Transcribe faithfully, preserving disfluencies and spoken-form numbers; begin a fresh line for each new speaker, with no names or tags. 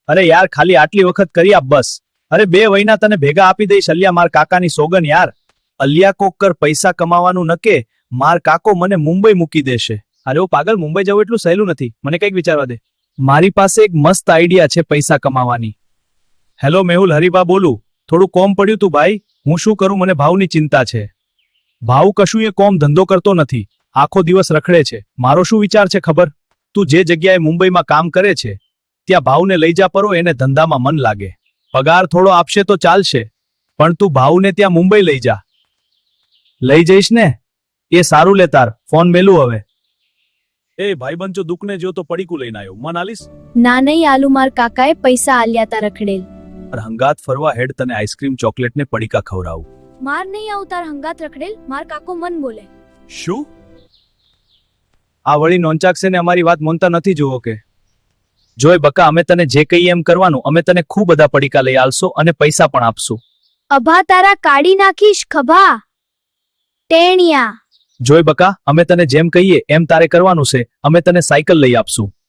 અરે યાર ખાલી આટલી વખત કરી આપ બસ. અરે બે વહીના તને ભેગા આપી દઈશ અલ્યા, માર કાકાની સોગન યાર. અલ્યા કોક કર, પૈસા કમાવાનું નકે, માર કાકો મને મુંબઈ મૂકી દેશે. અરે ઓ પાગલ, મુંબઈ જવું એટલું સહેલું નથી, મને કંઈક વિચારવા દે. મારી પાસે એક મસ્ત આઈડિયા છે પૈસા કમાવાની. હેલો મેહુલ, હરિભા બોલું. થોડું કોમ પડ્યું તું ભાઈ, હું શું કરું, મને ભાવની ચિંતા છે. ભાવ કશું એ કોમ ધંધો કરતો નથી, આખો દિવસ રખડે છે. મારો શું વિચાર છે ખબર? તું જે જગ્યાએ મુંબઈમાં કામ કરે છે ત્યાં ભાવને લઈ જા પરો, એને ધંધામાં મન લાગે. પગાર થોડો આપશે તો ચાલશે, પણ તું ભાવને ત્યાં મુંબઈ લઈ જા. લઈ જઈશ ને? એ સારું લે, તાર ફોન મેલું હવે. એ ભાઈબંધ જો દુઃખને જો તો પડીકું લઈને આવ્યો, મન આલીશ?
ના નહીં આલુ, માર કાકાએ પૈસા આલ્યા તા રખડેલ.
હંગાત ફરવા હેડ, તને આઈસ્ક્રીમ ચોકલેટ ને પડીકા ખવડાવું.
માર નહીં આવું તાર હંગાત રખડેલ, માર કાકો મન બોલે.
શું? આ વળી નોંચાકશે ને અમારી વાત મોનતા નથી જોવો કે? જોય બકા, અમે તને જે કહીએ એમ કરવાનું. અમે તને ખૂબ બધા પડીકા લઈ આલશો અને પૈસા પણ આપશું.
અભા તારા કાઢી નાખીશ ખભા ટેણિયા.
જોય બકા, અમે તને જેમ કહીએ એમ તારે કરવાનું છે. અમે તને સાયકલ લઈ આપશું.